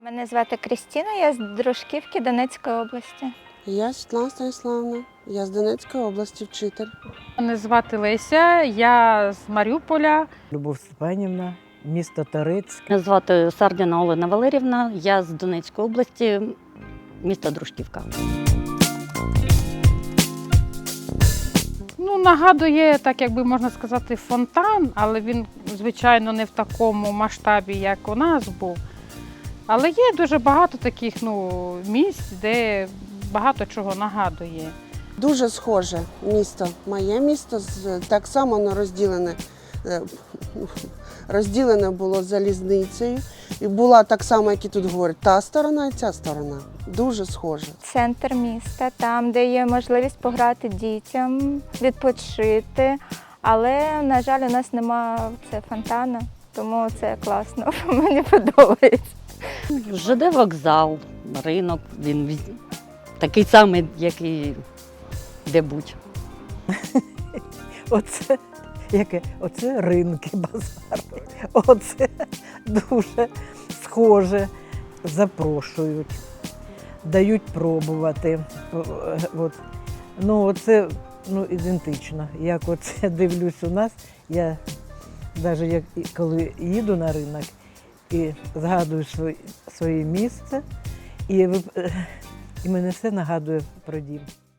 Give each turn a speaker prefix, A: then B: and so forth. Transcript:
A: Мене звати Крістіна, я з Дружківки Донецької області.
B: Я Світлана Станіславівна, я з Донецької області, вчитель.
C: Мене звати Леся, я з Маріуполя.
D: Любов Степанівна, місто Торецьк.
E: Мене звати Сардіна Олена Валерівна, я з Донецької області, місто Дружківка.
C: Нагадує, так якби можна сказати, фонтан, але він, звичайно, не в такому масштабі, як у нас був. Але є дуже багато таких місць, де багато чого нагадує.
B: Дуже схоже місто. Моє місто так само воно розділене було залізницею. І була так само, як і тут говорять, та сторона і ця сторона. Дуже схоже.
A: Центр міста, там, де є можливість пограти дітям, відпочити. Але, на жаль, у нас немає фонтану, тому це класно, мені подобається.
E: ЖД вокзал, ринок, він такий самий, як і де-будь.
D: Оце ринки, базари. Оце дуже схоже. Запрошують, дають пробувати. Оце ідентично. Як оце дивлюсь у нас, я навіть коли їду на ринок і згадую своє місце, і мене все нагадує про дім.